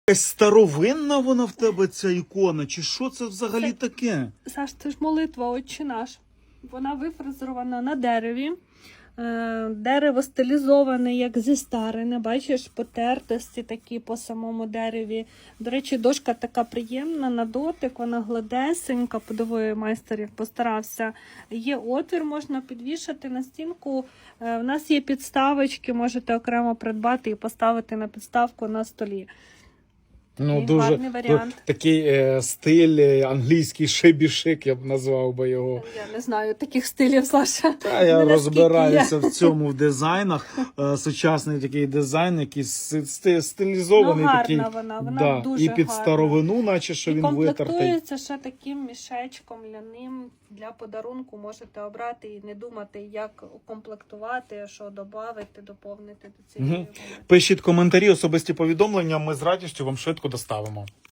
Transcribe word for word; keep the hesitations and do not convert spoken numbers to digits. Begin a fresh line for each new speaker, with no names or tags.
Якась старовинна вона в тебе, ця ікона, чи що це взагалі
Це-
таке?
Саш, це ж молитва «Отче наш». Вона вифрезерована на дереві. Е, Дерево стилізоване, як зі старини. Бачиш, потертості такі по самому дереві. До речі, дошка така приємна на дотик, вона гладесенька. Подиви, майстер як постарався. Є отвір, можна підвішати на стінку. Е, У нас є підставочки, можете окремо придбати і поставити на підставку на столі.
Ну,
Такий
дуже
гарний варіант.
такий е, стиль е, англійський шебі-шик, я б назвав би його.
Я не знаю таких стилів, Саша.
Та я
Не наскільки
розбираюся
є.
в цьому в дизайнах. Е, сучасний такий дизайн, який сти- сти- стилізований
Ну, гарна
такий.
вона, вона
да,
дуже
і під
гарна.
старовину, наче що
І
він витертий.
комплектується ще таким мішечком ляним для подарунку. Можете обрати і не думати, як укомплектувати, що додати, доповнити до цієї.
Мгм. Пишіть коментарі, особисті повідомлення, ми з радістю вам швидко доставимо.